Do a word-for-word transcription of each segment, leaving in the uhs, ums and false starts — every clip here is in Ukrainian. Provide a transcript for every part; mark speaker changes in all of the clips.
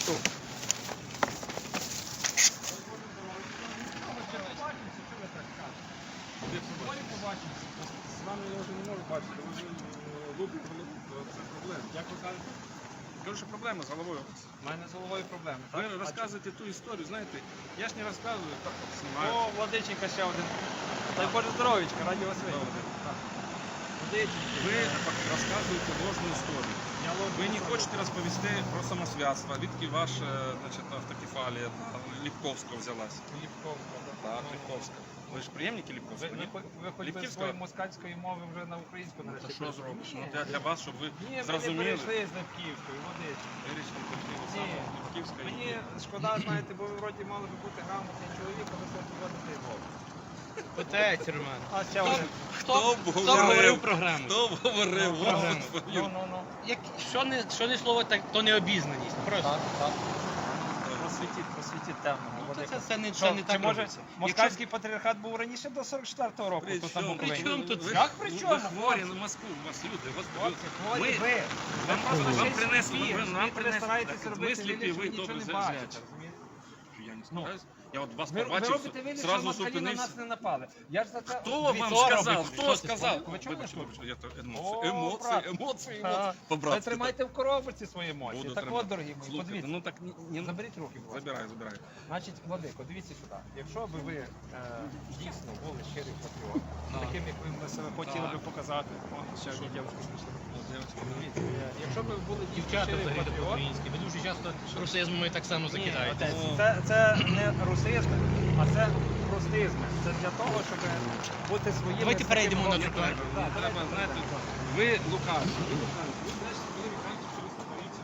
Speaker 1: тут.
Speaker 2: З вами я вже не можу бачити, ви вже лупите голову, це проблема.
Speaker 1: Як ви кажете?
Speaker 2: Кажу, що проблема з головою.
Speaker 1: У мене з головою проблеми.
Speaker 2: Ви
Speaker 1: так?
Speaker 2: розказуєте ту історію, знаєте, я ж не розказую, так от
Speaker 1: О,
Speaker 2: знімаю.
Speaker 1: Владиченька ще один. Дай Боже здоров'ячка, раді вас
Speaker 2: Добре.
Speaker 1: видіти. Владиченька.
Speaker 2: Ви розказуєте ложну історію.
Speaker 1: Я ложу.
Speaker 2: Ви не хочете розповісти про самосвятство, відки ваша значить, автокефалія Ліпковського взялась.
Speaker 1: Ліпковська, так?
Speaker 2: Так, Ліпковська. Ви ж приємники
Speaker 1: Ви,
Speaker 2: Ліпковського,
Speaker 1: ви,
Speaker 2: ні?
Speaker 1: ви, ви хоч би
Speaker 2: Ліпківська?
Speaker 1: своєї москальської мови вже на українську
Speaker 2: Та
Speaker 1: нарешті.
Speaker 2: що зробиш?
Speaker 1: Ні.
Speaker 2: Ну, для, для вас, щоб ви
Speaker 1: Ні, ми не
Speaker 2: зрозуміли.
Speaker 1: перейшли з Липківської, Владиченька.
Speaker 2: Вирішили, пішли ви
Speaker 1: Ні.
Speaker 2: саме Ліпківська. і-
Speaker 1: Мені шкода, знаєте, бо ви вроді мали би бути грамотний чоловік, а ви все поводите мову.
Speaker 3: Питається, Роман.
Speaker 1: А ще один.
Speaker 3: Хто,
Speaker 2: Хто
Speaker 3: хто говорив програму?
Speaker 2: Хто говорив?
Speaker 1: Ну,
Speaker 2: От
Speaker 1: програму.
Speaker 2: твою.
Speaker 1: Ну, ну, ну.
Speaker 3: Як, що, не, що не слово, так, то не обізнаність. Просто.
Speaker 1: Так, так. Просвітіть, просвітіть темного.
Speaker 3: Ну,
Speaker 1: Владика.
Speaker 3: це, це, не,
Speaker 1: Що,
Speaker 3: це не
Speaker 1: чи
Speaker 3: так
Speaker 1: може
Speaker 3: робиться.
Speaker 1: москальський патріархат був раніше до сорок четвертого року
Speaker 2: При
Speaker 1: тут на
Speaker 2: чому?
Speaker 1: Буковині?
Speaker 3: При чому тут?
Speaker 2: Ви-
Speaker 1: Як при
Speaker 2: ви-
Speaker 1: чому?
Speaker 2: Ви хворі на Москву, у вас люди. у вас
Speaker 1: Хлопці, хворі
Speaker 2: Ми-
Speaker 1: ви.
Speaker 2: Вам,
Speaker 1: Ви просто
Speaker 2: вам
Speaker 1: ще й
Speaker 2: принесли,
Speaker 1: сліпі,
Speaker 2: ви нам
Speaker 1: ви
Speaker 2: принесли.
Speaker 1: стараєтесь
Speaker 2: Так,
Speaker 1: робити
Speaker 2: ви сліпі,
Speaker 1: вигляд, що
Speaker 2: ви
Speaker 1: нічого
Speaker 2: добре
Speaker 1: не
Speaker 2: знаєте.
Speaker 1: бачите, розумієте?
Speaker 2: Я не
Speaker 1: Ну.
Speaker 2: стараюсь. Я от вас
Speaker 1: Ви, ви
Speaker 2: побачив,
Speaker 1: робите вигляд, що
Speaker 2: зразу
Speaker 1: москалі на
Speaker 2: зупинився.
Speaker 1: нас не напали. Я ж за це...
Speaker 2: Хто вам
Speaker 1: Дивіться,
Speaker 2: сказав?
Speaker 1: робить.
Speaker 2: Хто
Speaker 3: Хто це
Speaker 2: сказав?
Speaker 1: Ви чули,
Speaker 2: Вибачте,
Speaker 1: що?
Speaker 2: вибачте, я то
Speaker 1: О,
Speaker 2: емоції, емоції,
Speaker 1: брат.
Speaker 2: емоції,
Speaker 1: А,
Speaker 2: емоції.
Speaker 1: Ви
Speaker 2: По-братськи.
Speaker 1: тримайте в коробці свої емоції.
Speaker 2: Буду
Speaker 1: Так
Speaker 2: тримати.
Speaker 1: от, дорогі мої,
Speaker 2: Слухайте,
Speaker 1: подивіться.
Speaker 2: ну так ні, ні,
Speaker 1: Заберіть руки, будь ласка.
Speaker 2: забираю, забираю.
Speaker 1: Значить, Владико, дивіться сюди. Якщо б ви е, дійсно були щирий патріот, таким, як ви себе хотіли
Speaker 2: Так.
Speaker 1: би показати, о, ще одні дівчатки прийшли.
Speaker 2: От, дівчатки,
Speaker 1: Дивіться, е, якщо б ви були дійсно
Speaker 3: Дівчата
Speaker 1: щирий
Speaker 3: взагалі
Speaker 1: патріот,
Speaker 3: по-українськи. Ви дуже часто русизмами так само
Speaker 1: ні,
Speaker 3: закидаєте.
Speaker 1: отець,
Speaker 2: Ну.
Speaker 1: це, це не русизм, а це простизм. Це для того, щоб бути своїми.
Speaker 3: Давайте перейдемо на
Speaker 1: такими-
Speaker 3: тротуар.
Speaker 1: Так,
Speaker 2: Не треба,
Speaker 1: давайте
Speaker 2: знаєте,
Speaker 1: перейдемо.
Speaker 2: ви лукаві. Ви лукаві. Ви брешете, коли ви кажете, що ви створюєте.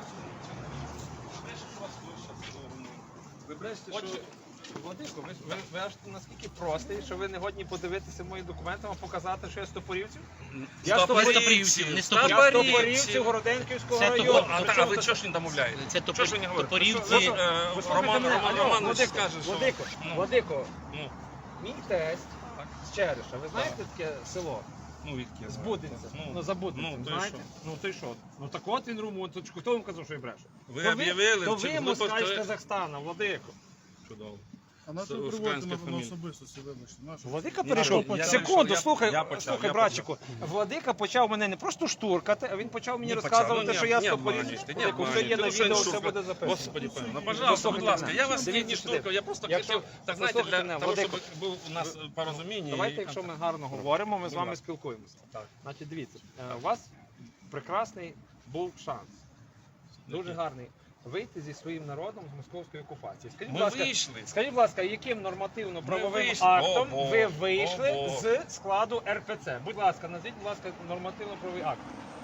Speaker 2: Ви брешете, що вас хтось щас зробив. Ви брешете,
Speaker 1: Отже,
Speaker 2: що...
Speaker 1: Владико, ви, ви, ви аж наскільки простий, що ви не годні подивитися мої документи, а показати, що я стопорівців? Я
Speaker 3: Стопорівців, не
Speaker 1: Я
Speaker 3: стопорівців.
Speaker 1: стопорівців Городенківського
Speaker 3: Це
Speaker 1: району.
Speaker 3: того-
Speaker 2: А,
Speaker 1: При
Speaker 2: та- а
Speaker 1: чому
Speaker 2: ви
Speaker 1: тут-
Speaker 2: чого ж не домовляєте?
Speaker 3: Це
Speaker 2: Чого ж ви не говорите?
Speaker 3: топорівці.
Speaker 2: Ви, е,
Speaker 1: Ви слухайте
Speaker 2: Роман,
Speaker 1: мене.
Speaker 2: Роман
Speaker 1: Алло,
Speaker 2: Романович
Speaker 1: Владико,
Speaker 2: скаже, що...
Speaker 1: Владико,
Speaker 2: Ну.
Speaker 1: Владико,
Speaker 2: Ну,
Speaker 1: мій тесть з Череша, ви знаєте таке село?
Speaker 2: ну, відки я
Speaker 1: З
Speaker 2: знаю.
Speaker 1: Будинця.
Speaker 2: Ну,
Speaker 1: Ну, за Будинцем,
Speaker 2: ну, то й
Speaker 1: знаєте?
Speaker 2: що?
Speaker 1: Ну, то й що? Ну, так от він румунточку. Хто вам казав, що я брешу?
Speaker 2: Ви
Speaker 1: То
Speaker 2: об'явили,
Speaker 1: То
Speaker 2: чи
Speaker 1: ви
Speaker 2: глупо,
Speaker 1: москаль з
Speaker 2: що-
Speaker 1: Казахстана, Владико.
Speaker 2: Чудово.
Speaker 4: А на
Speaker 2: Це
Speaker 4: що ви
Speaker 2: українська
Speaker 4: приводите на, на
Speaker 2: фамілія.
Speaker 4: особистості, вибачте? На що?
Speaker 1: Владика
Speaker 2: Ні,
Speaker 1: перейшов.
Speaker 2: я- я
Speaker 1: Секунду,
Speaker 2: перейшов,
Speaker 1: слухай,
Speaker 2: я почав,
Speaker 1: слухай,
Speaker 2: я
Speaker 1: братчику. Владика почав мене не просто штуркати, а він почав мені
Speaker 2: Не
Speaker 1: розказувати,
Speaker 2: почав. Ну,
Speaker 1: що
Speaker 2: ні,
Speaker 1: я
Speaker 2: ні,
Speaker 1: стопорів.
Speaker 2: обманюйте, ні,
Speaker 1: Владико, все
Speaker 2: обманюйте.
Speaker 1: є на
Speaker 2: Ну, що
Speaker 1: відео,
Speaker 2: не
Speaker 1: все
Speaker 2: штурка?
Speaker 1: буде записано.
Speaker 2: Господи, пане, ну, пожалуйста, будь ласка, я вас не,
Speaker 1: Дивіться
Speaker 2: не
Speaker 1: сюди.
Speaker 2: штуркав, я просто
Speaker 1: Якщо-
Speaker 2: хотів, так знаєте,
Speaker 1: послухайте
Speaker 2: для
Speaker 1: мене,
Speaker 2: того, щоб
Speaker 1: Владико.
Speaker 2: був у нас порозуміння.
Speaker 1: Давайте,
Speaker 2: і
Speaker 1: якщо ми
Speaker 2: контакт.
Speaker 1: гарно говоримо, ми з
Speaker 2: Будь
Speaker 1: вами
Speaker 2: ласка.
Speaker 1: спілкуємося.
Speaker 2: Так.
Speaker 1: Значить, дивіться, е, у вас прекрасний був шанс. Дуже гарний. Вийти зі своїм народом з московської окупації. Скажіть, будь
Speaker 2: Ми
Speaker 1: ласка,
Speaker 2: вийшли.
Speaker 1: скажіть, будь ласка, яким нормативно-правовим
Speaker 2: вийшли.
Speaker 1: актом
Speaker 2: Ого,
Speaker 1: ви вийшли
Speaker 2: ого.
Speaker 1: з складу ер пе це? Будь ласка, назвіть, будь ласка, нормативно-правовий акт.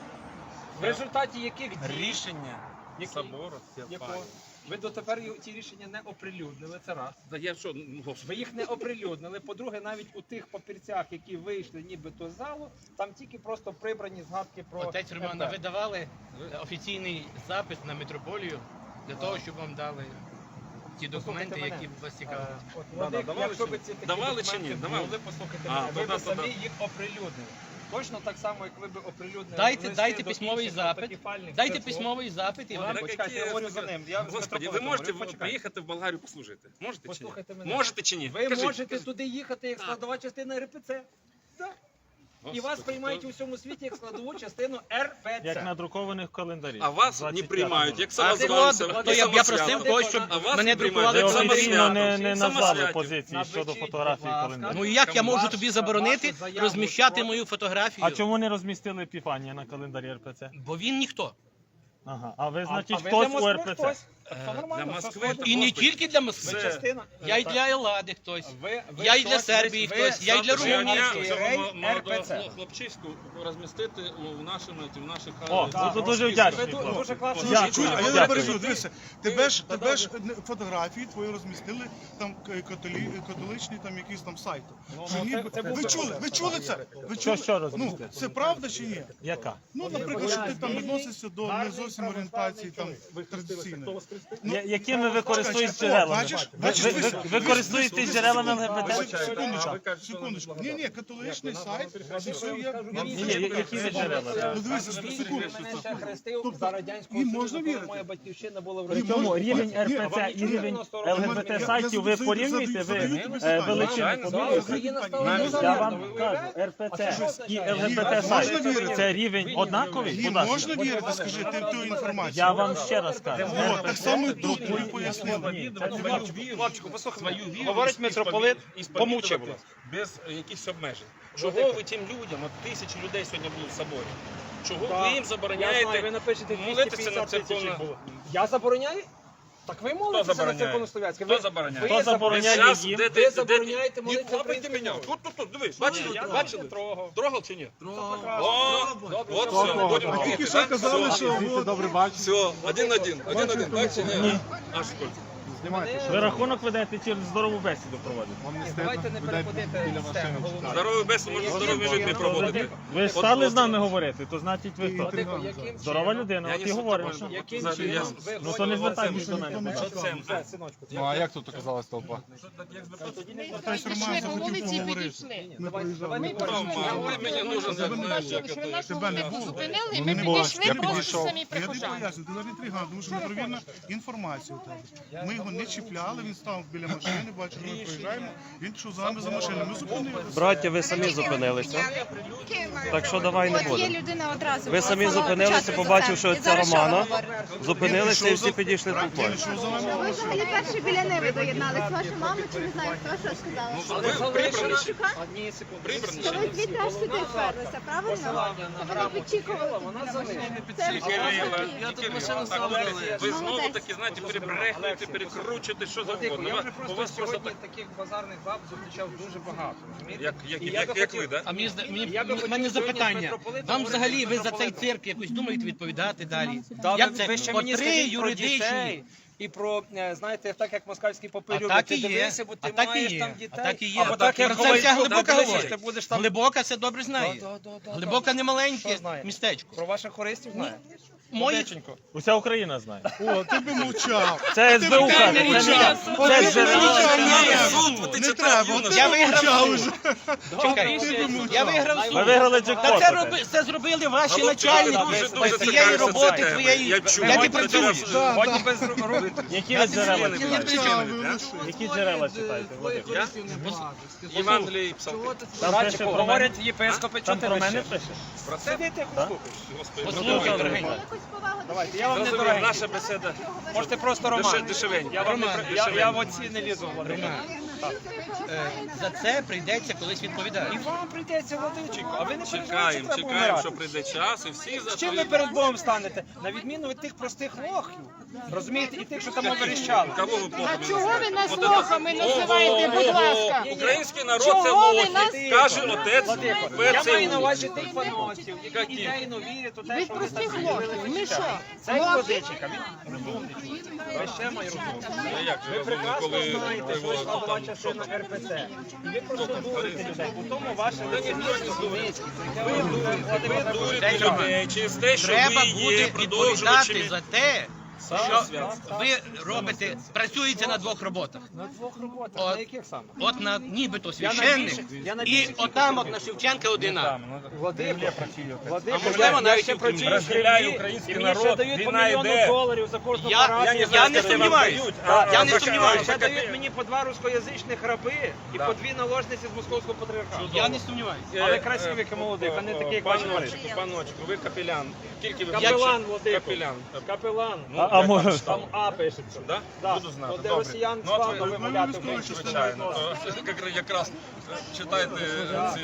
Speaker 1: В результаті яких дій,
Speaker 2: Рішення
Speaker 1: Які?
Speaker 2: собору.
Speaker 1: якого ви дотепер й- ті рішення не оприлюднили, це раз.
Speaker 2: Да я що, ну, господи.
Speaker 1: Ви їх не оприлюднили. По-друге, навіть у тих папірцях, які вийшли нібито з залу, там тільки просто прибрані згадки про
Speaker 3: Отець Роман, а ви давали офіційний запит на митрополію для того, щоб вам дали ті документи,
Speaker 1: Послухайте
Speaker 3: які
Speaker 1: мене.
Speaker 3: вас
Speaker 1: Е,
Speaker 3: цікавлять?
Speaker 1: от,
Speaker 2: Да,
Speaker 1: Владик,
Speaker 2: да, давали
Speaker 1: якщо
Speaker 2: чи
Speaker 1: ви
Speaker 2: ні?
Speaker 1: ці такі
Speaker 2: Давали чи ні?
Speaker 1: документи
Speaker 2: Давали.
Speaker 1: були, послухайте
Speaker 2: А,
Speaker 1: мене,
Speaker 2: то
Speaker 1: ви
Speaker 2: да,
Speaker 1: б
Speaker 2: то
Speaker 1: самі
Speaker 2: да.
Speaker 1: їх оприлюднили. Точно так само, як ви б оприлюднили.
Speaker 3: Дайте-
Speaker 1: листи
Speaker 3: дайте
Speaker 1: до
Speaker 3: письмовий
Speaker 1: інших
Speaker 3: запит.
Speaker 1: автокефальних
Speaker 3: Дайте
Speaker 1: церков.
Speaker 3: письмовий запит і
Speaker 1: Ні,
Speaker 3: вам.
Speaker 1: так, почекайте, я говорю за ним. Я з
Speaker 2: Господи, ви
Speaker 1: митрополитом
Speaker 2: можете
Speaker 1: говорю, почекайте.
Speaker 2: приїхати в Болгарію послужити? Можете чи
Speaker 1: Послухайте
Speaker 2: ні?
Speaker 1: мене.
Speaker 2: Можете чи ні?
Speaker 1: Ви
Speaker 2: Кажіть,
Speaker 1: можете
Speaker 2: кажіть.
Speaker 1: туди їхати як
Speaker 2: Так.
Speaker 1: складова частина ер пе це. Так. І
Speaker 2: Господи,
Speaker 1: вас приймають
Speaker 2: то-
Speaker 1: у всьому світі як складову частину ер пе це.
Speaker 4: Як надрукованих календарів.
Speaker 2: А вас не
Speaker 4: двадцять
Speaker 2: приймають, як
Speaker 1: А ти
Speaker 2: самозванця.
Speaker 1: от-
Speaker 3: То я, я просив
Speaker 1: Самосвят.
Speaker 3: когось, щоб
Speaker 2: А вас
Speaker 3: мене
Speaker 2: не
Speaker 3: друкували
Speaker 2: приймають,
Speaker 4: Ви
Speaker 2: як
Speaker 3: в
Speaker 4: офіційно
Speaker 3: самосвят.
Speaker 4: не, не
Speaker 2: Самосвятів.
Speaker 4: назвали позиції
Speaker 1: Напишіть,
Speaker 4: щодо
Speaker 1: будь
Speaker 4: фотографії
Speaker 1: ласка.
Speaker 4: календарів.
Speaker 3: Ну і як я можу
Speaker 1: Ваш-
Speaker 3: тобі заборонити
Speaker 1: вашу заяву
Speaker 3: розміщати
Speaker 1: про-
Speaker 3: мою фотографію?
Speaker 4: А чому не розмістили Епіфанія на календарі ер пе це?
Speaker 3: Бо він ніхто.
Speaker 4: Ага. А ви,
Speaker 1: А-
Speaker 4: значить,
Speaker 1: а ви
Speaker 4: хтось
Speaker 1: для
Speaker 4: у
Speaker 1: Москви
Speaker 4: ер пе це?
Speaker 1: хтось?
Speaker 3: Е,
Speaker 1: Все нормально,
Speaker 2: для
Speaker 1: все
Speaker 2: Москви
Speaker 1: сходиться.
Speaker 3: І не
Speaker 2: Господи.
Speaker 3: тільки для
Speaker 1: Ви
Speaker 3: Москви.
Speaker 1: частина.
Speaker 3: Я й
Speaker 1: Так.
Speaker 3: для Еллади хтось.
Speaker 1: Ви- ви
Speaker 3: Я й для
Speaker 1: хтось,
Speaker 3: Сербії
Speaker 1: ви-
Speaker 3: хтось, я й для
Speaker 1: ви-
Speaker 3: Румунії
Speaker 1: ви-
Speaker 3: хтось.
Speaker 1: ви-
Speaker 2: Цього
Speaker 1: ер
Speaker 2: молодого
Speaker 1: пе це.
Speaker 2: хлоп- хлопчиську розмістити у в нашому, в наших
Speaker 4: О,
Speaker 2: е,
Speaker 4: це
Speaker 2: цих
Speaker 4: дуже
Speaker 2: розписках.
Speaker 4: вдячний.
Speaker 1: Ви ду- дуже класно.
Speaker 4: Дякую.
Speaker 5: Чуй, а я
Speaker 4: Дякую.
Speaker 5: не пережу, дивися, тебе ж,
Speaker 1: Та
Speaker 5: тебе ж
Speaker 1: добре.
Speaker 5: е, фотографії твої розмістили там к- католі, католичні там якісь там сайти.
Speaker 1: Ну,
Speaker 5: Що
Speaker 1: ну,
Speaker 5: ніби-
Speaker 1: це- це
Speaker 5: ви
Speaker 1: був
Speaker 5: чули,
Speaker 1: би
Speaker 5: ви чули це? Ви
Speaker 4: Що,
Speaker 5: чули?
Speaker 4: що
Speaker 5: Ну,
Speaker 4: розмістили?
Speaker 5: це правда чи ні?
Speaker 4: Яка?
Speaker 5: Ну, наприклад, що ти там відносишся до не
Speaker 1: Гарний
Speaker 5: зовсім зовсім орієнтації там традиційної. Ну,
Speaker 4: Я- Якими ви користуєтесь джерелами?
Speaker 5: Бачиш,
Speaker 4: Ви,
Speaker 5: бачиш,
Speaker 4: ви,
Speaker 5: ви-
Speaker 4: ви, ви користуєтесь джерелами ЛГБТ?
Speaker 5: Секундочку, секундочку. Ні, ні, католичний сайт. Це все є. я-
Speaker 4: Ні, ні, які ви джерела?
Speaker 5: Ну дивися, секундочку.
Speaker 1: Мене ще хрестив
Speaker 5: Тобто,
Speaker 1: за Радянського
Speaker 5: їм
Speaker 1: Союзу,
Speaker 5: можна
Speaker 1: коли
Speaker 5: вірити?
Speaker 1: моя батьківщина була в
Speaker 5: Їм
Speaker 4: Причому
Speaker 5: можна-
Speaker 4: рівень
Speaker 5: Ні,
Speaker 4: РПЦ
Speaker 5: а вам
Speaker 4: і рівень
Speaker 5: Я-
Speaker 4: ЛГБТ сайтів ви
Speaker 5: задаю-
Speaker 4: порівнюєте,
Speaker 5: задаю
Speaker 4: ви
Speaker 5: тобі
Speaker 4: е,
Speaker 5: питання.
Speaker 4: величину
Speaker 1: Звичайно,
Speaker 4: подвоюєте?
Speaker 1: Україна стала
Speaker 5: Навіть
Speaker 4: Я
Speaker 1: незалежною,
Speaker 4: вам
Speaker 1: ви
Speaker 4: кажу,
Speaker 1: уявляєте?
Speaker 4: РПЦ і
Speaker 5: Можна
Speaker 4: ЛГБТ сайт
Speaker 5: вірити?
Speaker 4: це рівень однаковий?
Speaker 5: Їм
Speaker 4: Будь ласка.
Speaker 5: можна вірити, скажи, ти в ту інформацію?
Speaker 4: Я вам ще раз кажу.
Speaker 5: О, так само і тут тобі пояснили.
Speaker 4: Ні, це не
Speaker 2: Свою
Speaker 1: Хлопчику, послухай,
Speaker 2: свою віру
Speaker 1: говорить
Speaker 2: і
Speaker 1: митрополит,
Speaker 2: сповідувати
Speaker 1: помовчи, будь ласка.
Speaker 2: без е, якихось обмежень. Чого ви тим людям, от тисячі людей сьогодні були в соборі, чого ви їм
Speaker 1: Я знаю, ви
Speaker 2: забороняєте
Speaker 1: напишете
Speaker 2: молитися
Speaker 1: двісті
Speaker 2: на
Speaker 1: п'ятдесят тисяч
Speaker 2: церковну?
Speaker 1: їх було. Я забороняю? Так ви молитеся на
Speaker 2: забороняє?
Speaker 1: церковнослов'янське.
Speaker 2: Хто
Speaker 1: Ви-
Speaker 2: забороняє?
Speaker 1: ви
Speaker 4: Хто забороняє
Speaker 2: Зараз
Speaker 4: їм?
Speaker 2: де-
Speaker 1: Ви
Speaker 2: де- де-
Speaker 1: забороняєте
Speaker 2: Ні,
Speaker 1: молитися
Speaker 2: лапайте
Speaker 1: українською
Speaker 2: мене.
Speaker 1: мовою.
Speaker 2: Тут, тут, тут, дивись, бачили?
Speaker 1: Я
Speaker 2: Бачили?
Speaker 1: не трогав.
Speaker 2: Трогав чи ні?
Speaker 1: Трогав.
Speaker 2: О,
Speaker 1: Добре,
Speaker 2: от
Speaker 1: добре.
Speaker 2: все, будемо
Speaker 5: А тільки
Speaker 2: тільки,
Speaker 5: що
Speaker 2: так?
Speaker 5: казали,
Speaker 2: Все.
Speaker 5: що от,
Speaker 2: Все, один-один, один-один, так чи ні? Аж скільки?
Speaker 4: Ви рахунок ведете чи здорову бесіду проводите?
Speaker 1: Давайте не переходити з теми. головної.
Speaker 2: Здоровий бес можна здорові людьми проводити.
Speaker 4: Ви ж стали з нами говорити, то значить ви хто?
Speaker 1: Владико, яким
Speaker 4: Здорова
Speaker 1: чином-
Speaker 4: людина,
Speaker 2: Я
Speaker 4: от
Speaker 2: не
Speaker 4: і говоримо.
Speaker 2: супермен.
Speaker 1: Яким
Speaker 2: Взагалі, я-
Speaker 1: чином ви
Speaker 4: Ну то не звертайтесь
Speaker 5: Це
Speaker 4: до мене. будь ласка.
Speaker 2: Що це?
Speaker 1: Все, синочку.
Speaker 6: Ну а як тут оказалась толпа?
Speaker 5: Хтось Роман захотів поговорити. Ми проїжджали.
Speaker 1: Давайте
Speaker 2: Мама, ви мені нужен,
Speaker 5: Тебе не
Speaker 2: знаєш,
Speaker 5: було.
Speaker 2: як
Speaker 7: Що нас
Speaker 5: Тебе не
Speaker 7: вони
Speaker 5: було.
Speaker 7: зупинили, і
Speaker 6: Ну,
Speaker 7: ми
Speaker 6: не було.
Speaker 7: підійшли
Speaker 6: Я
Speaker 7: просто
Speaker 6: підійшов.
Speaker 7: самі
Speaker 5: Я не
Speaker 7: прихожани.
Speaker 5: поясню, ти навіть інтригант, тому що недовірна інформація у тебе. Ми його не чіпляли, він став біля машини, бачив, ми проїжджаємо, він пішов за нами за машиною. Ми зупинили.
Speaker 8: Браття, ви самі зупинилися. Так що давай не
Speaker 7: От є
Speaker 8: будемо.
Speaker 7: людина одразу.
Speaker 8: Ви самі
Speaker 7: була
Speaker 8: зупинилися,
Speaker 7: початку
Speaker 8: побачив,
Speaker 7: за
Speaker 8: що
Speaker 7: це. І
Speaker 8: це
Speaker 7: зараз що ви
Speaker 8: Романа.
Speaker 7: говорите?
Speaker 8: Зупинилися і всі підійшли толпою.
Speaker 5: Він йшов за нами
Speaker 9: Ви
Speaker 5: машиною.
Speaker 9: взагалі перші біля неї доєднались. Ваша мама чи не знаю, хто що сказала?
Speaker 2: ви прибрані.
Speaker 1: Одні секунди.
Speaker 2: Прибрані
Speaker 9: То
Speaker 2: ще
Speaker 9: ви
Speaker 2: ні.
Speaker 9: звідти аж сюди вперлися, правильно?
Speaker 1: Посилання на
Speaker 9: То ви
Speaker 1: грамоту
Speaker 9: підчікували
Speaker 1: Кирила,
Speaker 9: тут
Speaker 1: вона
Speaker 9: біля
Speaker 1: залишила.
Speaker 9: машини.
Speaker 1: Не
Speaker 9: Це
Speaker 2: Тільки Кирила,
Speaker 9: такі.
Speaker 2: тільки Кирила. Так, Олексій, ви знову
Speaker 9: Молодець.
Speaker 2: таки, знаєте, перебрехуєте, перекручуєте, що
Speaker 1: Владико,
Speaker 2: завгодно.
Speaker 1: я вже
Speaker 2: Ви-
Speaker 1: просто
Speaker 2: у вас просто
Speaker 1: сьогодні
Speaker 2: так,
Speaker 1: таких базарних баб зустрічав дуже багато. розумієте?
Speaker 2: як, як,
Speaker 1: І я
Speaker 2: як,
Speaker 1: би
Speaker 2: як
Speaker 1: хотів-
Speaker 2: ви, да?
Speaker 3: А мені, зда- мені,
Speaker 1: Я би
Speaker 3: в
Speaker 1: хотів
Speaker 3: мене
Speaker 1: сьогодні з
Speaker 3: запитання.
Speaker 1: митрополитом
Speaker 3: Вам
Speaker 1: говорити
Speaker 3: взагалі
Speaker 1: з
Speaker 3: ви за цей
Speaker 1: митрополитом.
Speaker 3: цирк якось думаєте відповідати далі?
Speaker 1: Та
Speaker 3: Як
Speaker 1: ви-
Speaker 3: це?
Speaker 1: ви ще
Speaker 3: От
Speaker 1: мені
Speaker 3: три
Speaker 1: скажіть про
Speaker 3: юридичні.
Speaker 1: дітей і про, е, знаєте, так як москальський попи
Speaker 3: А
Speaker 1: люблять,
Speaker 3: так
Speaker 1: ти
Speaker 3: і є.
Speaker 1: дивися, бо
Speaker 3: А
Speaker 1: ти
Speaker 3: так і
Speaker 1: маєш
Speaker 3: є.
Speaker 1: там
Speaker 3: А
Speaker 1: дітей.
Speaker 3: так і є.
Speaker 1: Або так, як
Speaker 3: Про це
Speaker 1: Ковальчук,
Speaker 3: вся глибока
Speaker 1: так,
Speaker 3: говорить.
Speaker 1: ти будеш там...
Speaker 3: Глибока це добре знає.
Speaker 1: Да, да, да, да,
Speaker 3: Глибока не маленьке
Speaker 1: Що знає?
Speaker 3: містечко.
Speaker 1: Про ваших хористів знає?
Speaker 3: Мої
Speaker 1: Владиченько.
Speaker 4: Уся Україна знає.
Speaker 5: О, ти би мовчав.
Speaker 4: Це ес бе у каже, це не я. Це джерела.
Speaker 5: Не треба, от ти
Speaker 3: Я
Speaker 5: би
Speaker 3: виграв
Speaker 5: мовчав
Speaker 3: суд.
Speaker 5: уже.
Speaker 3: Чекай, я виграв
Speaker 4: Ви
Speaker 3: суд.
Speaker 4: виграли
Speaker 3: Та це,
Speaker 4: джекпот.
Speaker 3: роби, це зробили ваші
Speaker 2: Голубчик,
Speaker 3: начальники.
Speaker 2: дуже,
Speaker 3: З
Speaker 2: дуже
Speaker 3: цієї
Speaker 2: цікаві
Speaker 3: роботи
Speaker 2: теми.
Speaker 3: твоєї.
Speaker 2: Я чув.
Speaker 3: Я не
Speaker 2: От
Speaker 3: працюю.
Speaker 2: зараз,
Speaker 5: Да,
Speaker 1: Годі
Speaker 5: да.
Speaker 1: без рук.
Speaker 4: Які ви джерела
Speaker 2: не
Speaker 4: читаєте?
Speaker 5: Мовчав, ви лише.
Speaker 4: Які джерела читаєте, Владимир?
Speaker 2: Я? Євангеліє і псалми.
Speaker 4: Там пише про мене.
Speaker 1: Говорять єпископи, що
Speaker 4: Там
Speaker 1: ти
Speaker 4: про мене
Speaker 1: мене
Speaker 4: пише?
Speaker 2: Про це?
Speaker 1: Сидите,
Speaker 4: Так?
Speaker 2: Господи,
Speaker 3: Послухай, дорогий.
Speaker 9: Якусь повагу до
Speaker 1: Давайте, я вам не
Speaker 2: Розумію,
Speaker 1: дорогий.
Speaker 2: наша бесіда.
Speaker 1: Можете просто
Speaker 2: Деше-
Speaker 1: Роман.
Speaker 2: дешевенько.
Speaker 1: Я вам не
Speaker 3: Роман,
Speaker 1: при- я, я
Speaker 2: дешевенько.
Speaker 1: в оці не лізу, Владимир.
Speaker 3: Роман, е, за це прийдеться колись відповідати.
Speaker 1: І вам прийдеться, Владиченко, а ви не переживайте,
Speaker 2: Чекаємо,
Speaker 1: треба
Speaker 2: чекаємо,
Speaker 1: вмирати.
Speaker 2: що прийде час, і всі за
Speaker 1: З чим ви перед Богом станете? На відміну від тих простих лохів, розумієте, і тих, що там верещали.
Speaker 2: Кого ви плохо
Speaker 7: А чого ви нас
Speaker 2: От
Speaker 7: лохами
Speaker 2: Ого,
Speaker 7: називаєте, будь
Speaker 2: ого,
Speaker 7: ласка?
Speaker 2: Український народ
Speaker 7: Чого
Speaker 2: це
Speaker 7: ви
Speaker 2: лохи,
Speaker 7: нас-
Speaker 2: каже отець
Speaker 1: Владико, я
Speaker 2: Петро.
Speaker 1: маю на увазі тих фанатів, які
Speaker 2: Які?
Speaker 1: ідейно вірять у те,
Speaker 7: Від
Speaker 1: що вони
Speaker 7: простих
Speaker 1: там
Speaker 7: лохів.
Speaker 1: зробили
Speaker 7: Ми
Speaker 1: життя.
Speaker 7: що?
Speaker 1: Це
Speaker 7: Лохи?
Speaker 1: Владиченка, він розумний чоловік. Ви ще має розумний.
Speaker 2: А як же
Speaker 1: Ви
Speaker 2: ви
Speaker 1: прекрасно
Speaker 2: коли
Speaker 1: знаєте, що
Speaker 2: його
Speaker 1: слава
Speaker 2: там
Speaker 1: частина ер пе це. І ви просто дурите людей. У тому ваше
Speaker 2: ніхто не
Speaker 1: лицемірство
Speaker 2: дурить.
Speaker 1: низьке.
Speaker 2: ви
Speaker 1: Владимир,
Speaker 2: дурите людей через те, що
Speaker 3: Треба
Speaker 2: ви є
Speaker 3: буде відповідати
Speaker 2: продовжувачами
Speaker 3: за те,
Speaker 2: Саме
Speaker 3: що
Speaker 2: святства.
Speaker 3: ви робите, працюєте на двох роботах.
Speaker 1: на двох роботах,
Speaker 3: От.
Speaker 1: на яких саме?
Speaker 3: От на нібито
Speaker 1: Я на
Speaker 3: священник,
Speaker 1: більше- я на
Speaker 3: і
Speaker 1: більше
Speaker 3: отам от на Шевченка одина.
Speaker 1: Владимир, Владимир,
Speaker 3: А можливо,
Speaker 1: я
Speaker 3: навіть
Speaker 1: ще
Speaker 3: і в
Speaker 1: працюю в
Speaker 2: Розділяє
Speaker 1: Кремлі,
Speaker 2: український
Speaker 1: і мені ще
Speaker 2: народ,
Speaker 1: дають по
Speaker 2: війна
Speaker 1: мільйону
Speaker 2: йде.
Speaker 1: доларів за кожну
Speaker 3: Я-
Speaker 1: парафію.
Speaker 3: я
Speaker 1: за
Speaker 3: не
Speaker 1: це
Speaker 3: сумніваюсь.
Speaker 1: вам дають.
Speaker 3: Я
Speaker 1: А,
Speaker 3: не
Speaker 1: а,
Speaker 3: сумніваюсь.
Speaker 1: Ще дають мені по два рускоязичних раби і
Speaker 2: Да.
Speaker 1: по дві наложниці з московського патріархату.
Speaker 3: Я не сумніваюся.
Speaker 1: Але красиві, як і молодий, а не такий, як ваші
Speaker 2: Паночку,
Speaker 1: батьки.
Speaker 2: паночку, ви капелян. Тільки ви
Speaker 1: Капелан, Владико.
Speaker 2: Капелян.
Speaker 1: Капелан.
Speaker 2: Ну,
Speaker 4: А- а
Speaker 2: я
Speaker 4: може-
Speaker 2: там
Speaker 1: Там
Speaker 2: читав.
Speaker 1: А пишеться.
Speaker 2: Да?
Speaker 1: Да.
Speaker 2: Буду знати.
Speaker 1: От де
Speaker 2: Добре.
Speaker 1: росіян
Speaker 2: Ну, от ви-
Speaker 1: славно вимовляти
Speaker 5: ви-
Speaker 1: вміють.
Speaker 2: Звичайно. То як- якраз читайте ці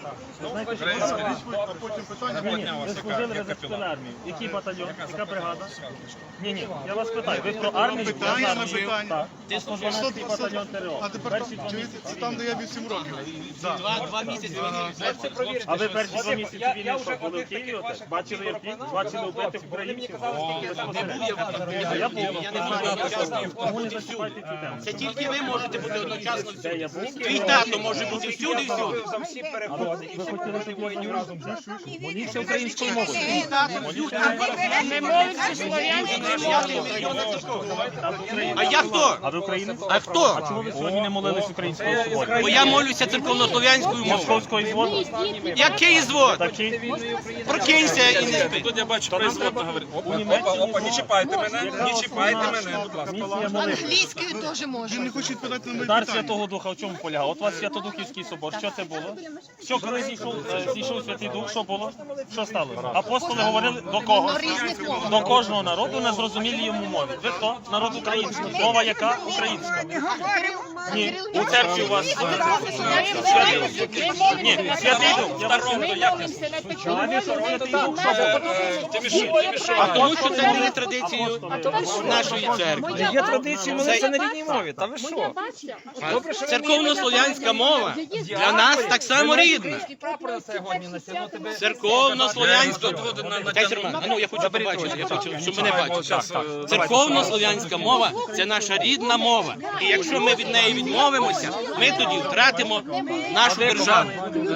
Speaker 2: українські.
Speaker 5: А потім питання.
Speaker 4: Ні, ні,
Speaker 2: Подняв
Speaker 4: ви
Speaker 2: вас,
Speaker 4: служили
Speaker 2: яка-
Speaker 4: в
Speaker 2: яка
Speaker 4: специфічній
Speaker 2: піла?
Speaker 4: армії. Який батальйон? Яка бригада? Ні, ні, я вас питаю. Ви про армію?
Speaker 5: Питання
Speaker 4: Я
Speaker 5: на
Speaker 4: знаю.
Speaker 5: питання.
Speaker 4: Так.
Speaker 3: Ти служив.
Speaker 4: дванадцятий батальйон ТРО.
Speaker 5: А тепер
Speaker 4: Перші два
Speaker 5: чуєте,
Speaker 4: місяці
Speaker 5: це там, де
Speaker 4: війни.
Speaker 5: я вісім років.
Speaker 3: Два, два місяці
Speaker 1: Можете провірити,
Speaker 4: А ви
Speaker 1: що-
Speaker 4: перші два
Speaker 1: Владико,
Speaker 4: місяці
Speaker 1: я-
Speaker 4: війни
Speaker 1: я
Speaker 4: що,
Speaker 1: вже
Speaker 4: були в
Speaker 1: одних
Speaker 4: Києві?
Speaker 1: таких
Speaker 4: отець?
Speaker 1: ваших
Speaker 4: Бачили,
Speaker 1: пропонував,
Speaker 4: бачили
Speaker 1: казав,
Speaker 4: вбитих
Speaker 1: хлопці, вони мені
Speaker 4: українців?
Speaker 1: казали, скільки
Speaker 3: Не
Speaker 1: там
Speaker 3: був я в
Speaker 4: Я був.
Speaker 3: Я не можу одночасно
Speaker 4: Тому не
Speaker 3: бути всюди.
Speaker 4: зачіпайте цю тему.
Speaker 3: Це тільки ви можете бути одночасно
Speaker 4: Де я
Speaker 3: всюди.
Speaker 4: був?
Speaker 3: Твій тато може бути всюди і всюди.
Speaker 1: За всі переходи і всі переходи воїнів разом взяти.
Speaker 4: Моліться українською мовою.
Speaker 3: Твій тато всюди.
Speaker 6: Не молиться слов'янською.
Speaker 3: А я хто?
Speaker 4: А ви українець?
Speaker 3: А хто?
Speaker 4: А чому ви сьогодні не молились українською соборі?
Speaker 3: Бо я молюся церковнослов'янською мовою.
Speaker 4: Московською зводу?
Speaker 3: Який звод?
Speaker 4: Такий?
Speaker 3: Прокинься і не спи.
Speaker 2: Тут я бачу, производно говорить. Опа, опа, опа, не чіпайте мене, не чіпайте мене, будь ласка.
Speaker 4: Місія молитви.
Speaker 6: Англійською теж
Speaker 5: Він
Speaker 6: можна.
Speaker 5: не хоче відповідати на мої
Speaker 4: Дар
Speaker 5: питання.
Speaker 4: Святого Духа в чому полягав? От у вас Святодухівський собор, що це було? Що, коли зійшов, е, зійшов Святий Дух, що було? Що сталося? Апостоли говорили до кого?
Speaker 6: На різних мовах.
Speaker 4: До кожного народу на зрозумілій йому мові. Ви хто? Народ український. Мова яка? Українська. Ні, у церкві у вас е, Святий Дух. Ні, Святий Дух. Я
Speaker 6: Ми молимося на такому
Speaker 4: Святий Дух, що було?
Speaker 3: А тому що це не є традицією нашої церкви.
Speaker 1: Є традиції молитися на рідній мові. Та ви що?
Speaker 3: Церковнослов'янська мова для нас так само рідна.
Speaker 1: Прапор на сьогодні на тебе.
Speaker 3: Церковнослов'янська. Дайте Роман, а ну я хочу побачити, я хочу, щоб мене бачили. Церковнослов'янська мова – це наша рідна мова. І якщо ми від неї відмовимося, ми тоді втратимо нашу державу.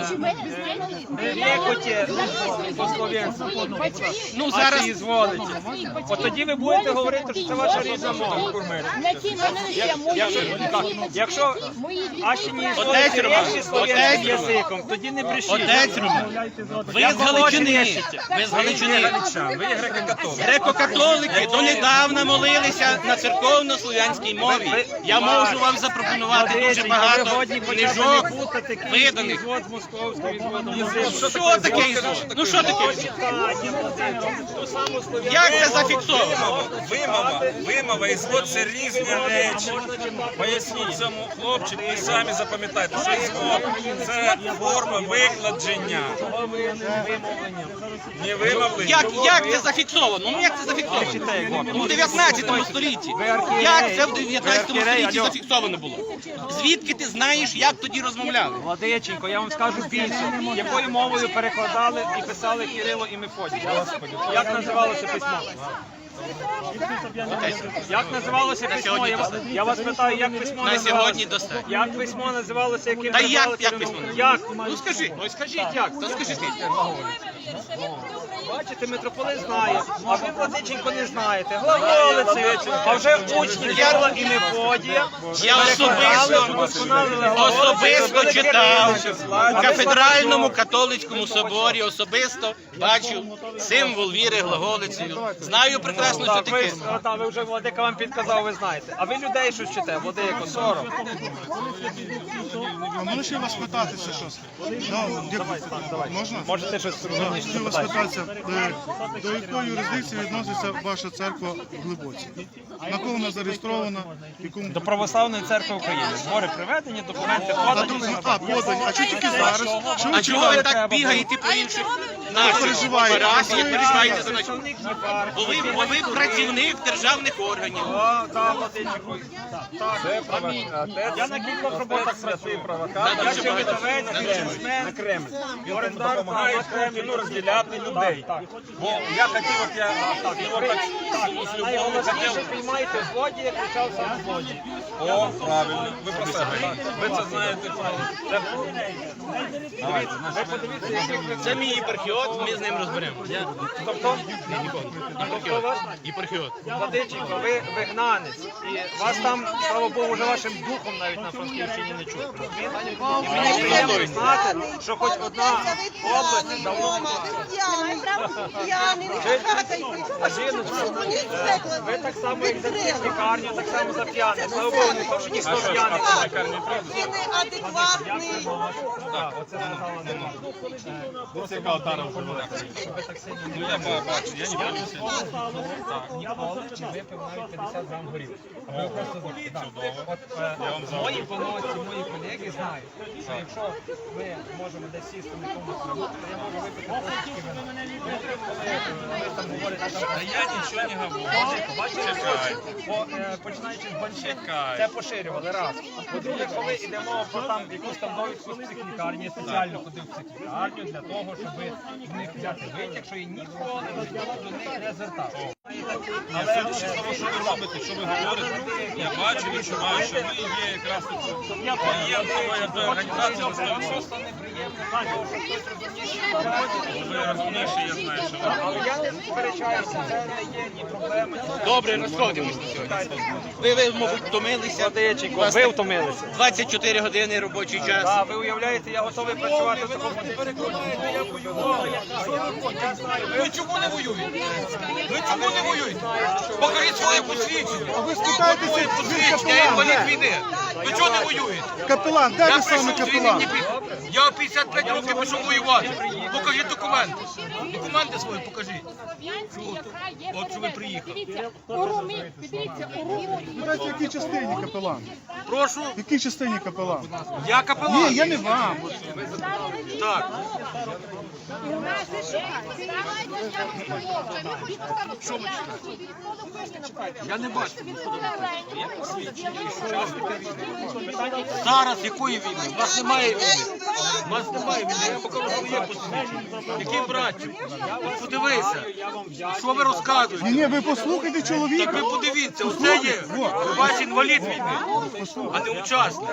Speaker 3: Ну зараз
Speaker 1: От тоді ви будете говорити, що це ваша рідна мова. Якщо Ашині
Speaker 3: Отець Роман, отець
Speaker 1: язиком, тоді не брешіть.
Speaker 3: Отець Роман, ви з Галичини, ви з Галичини.
Speaker 1: Ви греко-католик.
Speaker 3: Греко-католики донедавна молилися на церковно-слов'янській мові. Я можу вам запропонувати дуже багато книжок, виданих. Що таке ізвод? Ну що таке ізвод? Як це зафіксовано?
Speaker 2: Вимова, вимова і звод – це різні речі. Поясніть цьому хлопчику і самі запам'ятайте, що звод – це форма викладення. Не вимовлення.
Speaker 3: Як, як це зафіксовано? Ну як це зафіксовано? Ну в дев'ятнадцятому столітті. Як це в дев'ятнадцятому столітті зафіксовано було? Звідки ти знаєш, як тоді розмовляли?
Speaker 1: Владиченько, я вам скажу більше. Якою мовою перекладали і писали Кирило і Мефодій? Як називалося письмо? Як називалося письмо? Я вас, я вас питаю, як письмо
Speaker 3: На
Speaker 1: називалося?
Speaker 3: сьогодні достатньо.
Speaker 1: Як письмо називалося, яким
Speaker 3: Та
Speaker 1: називали
Speaker 3: як, як
Speaker 1: Кирило?
Speaker 3: письмо?
Speaker 1: Як?
Speaker 3: Ну скажи, ну скажіть як, то скажи ти.
Speaker 1: Бачите, митрополит знає, а ви, Владиченко, не знаєте. Глаголиці, а вже учні Кирила і Мефодія.
Speaker 3: Я особисто, особисто читав у кафедральному католицькому соборі, особисто бачив символ віри глаголицею. Знаю прекрасно, що
Speaker 1: Так, ви,
Speaker 3: таке.
Speaker 1: а, так, ви вже Владика вам підказав, ви знаєте. А ви людей щось вчите, Владико, сором.
Speaker 5: А можна ще вас питатися щось? Да, дякую. Можна?
Speaker 1: Можете щось
Speaker 5: Да,
Speaker 1: розумніше
Speaker 5: хотів вас
Speaker 1: запитати.
Speaker 5: питатися, е, до якої юрисдикції відноситься ваша церква в Глибоці? На кого вона зареєстрована? Якому...
Speaker 1: До Православної церкви України. Збори приведені, документи
Speaker 5: А,
Speaker 1: подані.
Speaker 5: друзі, а, подані. А чого тільки зараз? Що ви
Speaker 3: А чого ви
Speaker 5: чекаєте?
Speaker 3: так бігаєте по інших наших
Speaker 5: переживаєте?
Speaker 3: парафіях, переживаєте за нас?
Speaker 1: Представник єпархії.
Speaker 3: Бо ви, бо ви працівник державних органів.
Speaker 1: О, так, Владиченко. Так, я на кількох роботах працюю. Я ще видавець, бізнесмен.
Speaker 2: Кремль. Він
Speaker 1: Орендар,
Speaker 2: допомагає
Speaker 1: так, Кремль.
Speaker 2: Путіну розділяти людей. Бо я хотів, от я так, його так з любов'ю
Speaker 1: Найголовніше,
Speaker 2: хотів.
Speaker 1: приймайте злодія, кричав сам злодій.
Speaker 2: О, правильно. Ви про себе, так? Ви це знаєте.
Speaker 1: Дивіться, ви подивіться, який ви...
Speaker 3: Це мій єпархіот, ми з ним розберемося.
Speaker 1: Тобто,
Speaker 3: Єпархіот. Єпархіот.
Speaker 1: Владиченко, ви вигнанець, і вас там, слава Богу, вже вашим духом навіть на Франківщині не чути. розумієте? І мені приємно знати, що хоч одна область давно не ви так само, як за лікарню, так само за п'яних. Слава Богу, не то, що ніхто п'яний.
Speaker 6: Він неадекватний.
Speaker 1: Так, оце сказала не можна.
Speaker 2: Ну я бачу, я не боюся.
Speaker 1: Ніколи не випив навіть п'ятдесят грам горілки. Ви просто так. От, е, мої поносці, мої колеги знають, що якщо ми можемо десь сісти на якомусь кругу, то я можу випити трошечки вина. Ви там говорите, там,
Speaker 2: Та я нічого не говорю.
Speaker 1: бачите,
Speaker 2: Чекай.
Speaker 1: по, е, починаючи з банчик,
Speaker 2: Чекай.
Speaker 1: це поширювали раз. По-друге, коли йдемо про там якусь там довідку з психлікарні, я спеціально ходив в психлікарню для того, щоб в них взяти витяг, що я ніколи до них не звертався.
Speaker 2: А все ж того, що ви робите, що ви говорите, я бачу, відчуваю, що ви є якраз тут. Я є тої організації, ви сто відсотків. Ви розумніше, я знаю, що ви.
Speaker 1: Але я не сперечаюся, це не є ні проблеми.
Speaker 3: Добре, розходимося сьогодні. Ви, ви, мабуть, втомилися. У вас
Speaker 1: Ви втомилися.
Speaker 3: двадцять чотири години робочий час.
Speaker 1: Так, ви уявляєте, я готовий працювати в такому.
Speaker 7: Ви чому не воюєте? Ви чому не воюєте? Покажіть своє посвідчення.
Speaker 5: А ви спитайтеся,
Speaker 7: Своє
Speaker 5: ви
Speaker 7: посвідчення, я інвалід
Speaker 5: капелан.
Speaker 7: війни. Ви чого не воюєте?
Speaker 5: Капелан, де
Speaker 7: Я
Speaker 5: ви саме
Speaker 7: прийшов
Speaker 5: капелан?
Speaker 7: звільнити. Я в п'ятдесят п'ять років пішов воювати. Покажіть документи. Документи свої покажіть. От що ви приїхали.
Speaker 6: Дивіться, у Румі, дивіться, у Румі.
Speaker 5: Знаєте, в якій частині капелан?
Speaker 7: Прошу.
Speaker 5: В якій частині капелан?
Speaker 7: Я капелан.
Speaker 5: Ні, я не вам.
Speaker 7: Так. Я не бачу. Зараз якої війни? У нас немає війни. У нас немає війни. Я покажу своє посвідчення. Який братчик? От подивися. Що ви розказуєте?
Speaker 5: Ні, ні, ви послухайте
Speaker 7: Так
Speaker 5: чоловіка.
Speaker 7: ви подивіться, оце є. Ваш інвалід війни, а не учасник.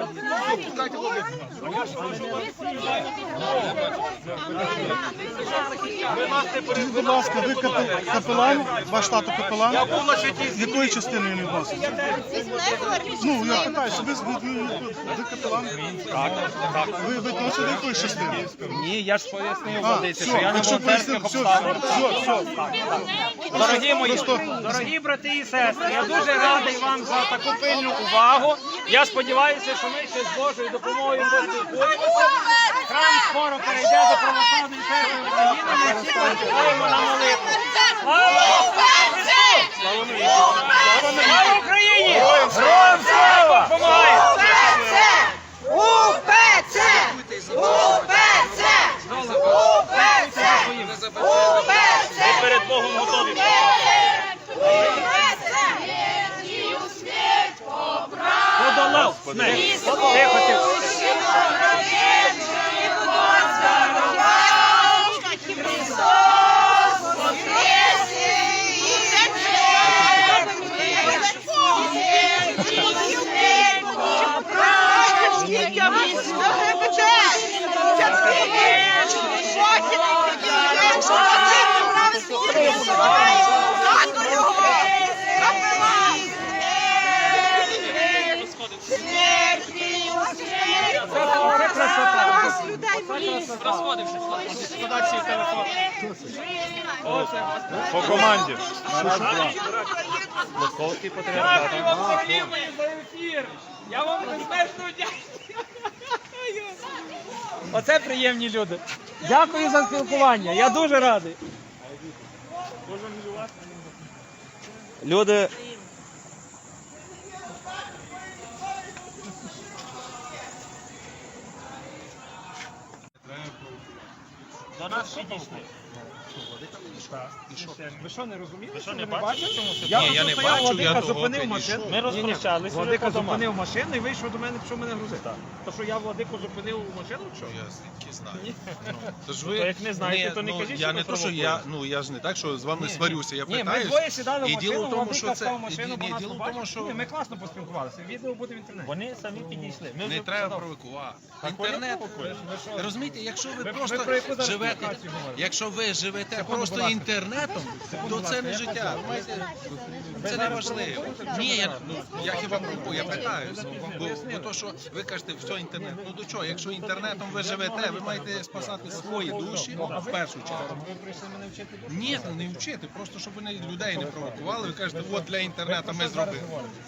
Speaker 7: Ви нас не
Speaker 5: Скажіть, будь ласка, ви капел- капелан? Ваш тато капелан?
Speaker 7: Я був на святій
Speaker 5: З якої частини він відноситься? Ну, я питаюся, ви, ви, ви, ви капелан?
Speaker 1: Так, так.
Speaker 5: Ви відносите до якої частини?
Speaker 1: Ні, я ж пояснив
Speaker 5: А,
Speaker 1: водиці,
Speaker 5: все,
Speaker 1: що я не
Speaker 5: якщо
Speaker 1: волонтерських
Speaker 5: пояснив, все,
Speaker 1: обставин.
Speaker 5: все, все.
Speaker 1: Дорогі мої,
Speaker 5: Просто-
Speaker 1: дорогі брати і сестри, я дуже радий вам за таку пильну увагу. Я сподіваюся, що ми ще з Божою допомогою поспілкуємося. Храм скоро перейде до православної церкви України. Ми всі почекаємо на молитву. Слава Христу! Слава Україні! Героям слава! Допомагає!
Speaker 6: УПЦ! УПЦ! УПЦ!
Speaker 4: Ви перед Богом готові. Подолав смерть.
Speaker 1: Тихо, тихо. Це красота. Подальший телефон.
Speaker 8: По команді. Раз, два. Московський патріархат.
Speaker 1: Я вам безмежно дякую. Оце приємні люди. Дякую за спілкування. Я дуже радий.
Speaker 8: Люди.
Speaker 4: До нас підійшли.
Speaker 1: Ви що, не розумієте?
Speaker 4: Ви що, не бачите, чому це?
Speaker 1: Я, я не бачу, Владика зупинив машину.
Speaker 4: Ми розпрощалися.
Speaker 1: Владика зупинив машину і вийшов до мене, пішов мене грузити. То що я Владику зупинив машину, чи що?
Speaker 10: Я звідки знаю.
Speaker 1: Ні.
Speaker 10: Ну, то ж
Speaker 4: То
Speaker 10: ви
Speaker 4: як не знаєте, то не
Speaker 10: ну,
Speaker 4: кажіть,
Speaker 10: я
Speaker 4: що
Speaker 10: не
Speaker 4: ви
Speaker 10: то, що я,
Speaker 4: провокуєте.
Speaker 10: ну я ж не так, що з вами сварюся. Я
Speaker 1: Ні, ми
Speaker 10: питаюсь.
Speaker 1: двоє сідали в
Speaker 10: І
Speaker 1: машину,
Speaker 10: діло в тому,
Speaker 1: Владика
Speaker 10: що це
Speaker 1: став в машину,
Speaker 10: ні,
Speaker 1: бо
Speaker 10: ні,
Speaker 1: нас
Speaker 10: діло в
Speaker 1: побачив.
Speaker 10: тому, що
Speaker 1: Ні, ми класно поспілкувалися. Відео буде в інтернеті.
Speaker 4: Вони самі підійшли. Ми
Speaker 10: не
Speaker 4: вже
Speaker 10: треба
Speaker 4: сказали.
Speaker 10: провокувати.
Speaker 4: Так вони
Speaker 10: Інтернет.
Speaker 4: провокують.
Speaker 10: Розумієте, якщо ви
Speaker 1: Ви- ви
Speaker 10: просто
Speaker 1: про яку зараз
Speaker 10: живете,
Speaker 1: співпрацю говорите?
Speaker 10: якщо ви живете
Speaker 1: Секунду, будь
Speaker 10: просто
Speaker 1: ласка.
Speaker 10: інтернетом, то це не життя. Розумієте? Це не важливо. Ні, я, ну, я хіба провокую, я питаюся. Бо, бо то, що ви кажете, все інтернет. Ну до чого? Якщо інтернетом ви живете, ви маєте спасати свої душі в першу чергу.
Speaker 1: Ви прийшли мене вчити?
Speaker 10: Ні, не вчити, просто щоб вони людей не провокували. Ви кажете, от для інтернету ми зробили.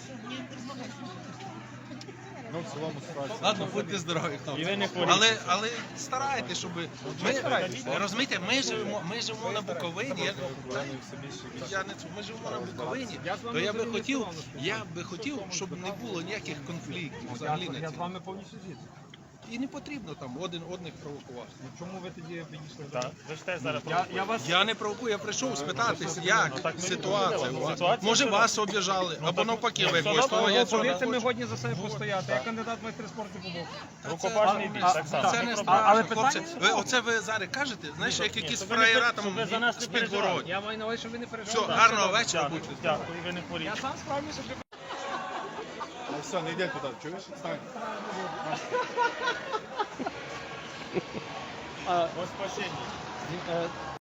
Speaker 10: Ладно, будьте здорові,
Speaker 4: І ви
Speaker 10: хлопці.
Speaker 4: не хворійте.
Speaker 10: Але, але старайтесь, щоб ми розумієте, ми живемо, ми живемо на Буковині. Я, я не ми живемо на Буковині, то я би хотів, я би хотів, щоб не було ніяких конфліктів взагалі на
Speaker 1: Я з
Speaker 10: цій.
Speaker 1: вами повністю згідний.
Speaker 10: і не потрібно там один одних провокувати.
Speaker 1: Чому ви тоді підійшли?
Speaker 8: Так, ви ж теж зараз
Speaker 1: Я, я вас
Speaker 10: Я не провокую, я прийшов спитатись, як
Speaker 8: Ну, так ми
Speaker 10: ситуація.
Speaker 8: не
Speaker 10: у вас.
Speaker 8: Ситуація
Speaker 10: Може
Speaker 8: була.
Speaker 10: вас обіжали, або
Speaker 8: так,
Speaker 10: навпаки,
Speaker 8: ну,
Speaker 10: ви
Speaker 8: все
Speaker 10: якось
Speaker 8: одно,
Speaker 10: того, я
Speaker 1: Ну,
Speaker 10: цього не
Speaker 1: повірте, ми
Speaker 10: хочу.
Speaker 1: годні за себе постояти. Я кандидат в майстри спорту побув.
Speaker 8: Рукопашний бій, так само.
Speaker 10: Це не
Speaker 8: Не
Speaker 10: страшно,
Speaker 1: але
Speaker 10: хлопці.
Speaker 1: питання-
Speaker 10: Ви оце ви зараз кажете, знаєш, як
Speaker 8: Ні,
Speaker 10: якісь
Speaker 8: щоб ви не
Speaker 10: фраєра
Speaker 8: пер-
Speaker 10: там
Speaker 8: щоб ви за нас не
Speaker 10: з
Speaker 8: переживали.
Speaker 10: підгородні.
Speaker 1: Я маю на увазі, щоб ви не
Speaker 10: Все,
Speaker 1: переживали.
Speaker 10: гарного вечора,
Speaker 8: Дякую,
Speaker 10: будьте.
Speaker 8: дякую, ви не хворіть.
Speaker 1: Я сам справлюся.
Speaker 5: Все, не йдемо туди, чуєш? Стань.
Speaker 8: Во спасіння.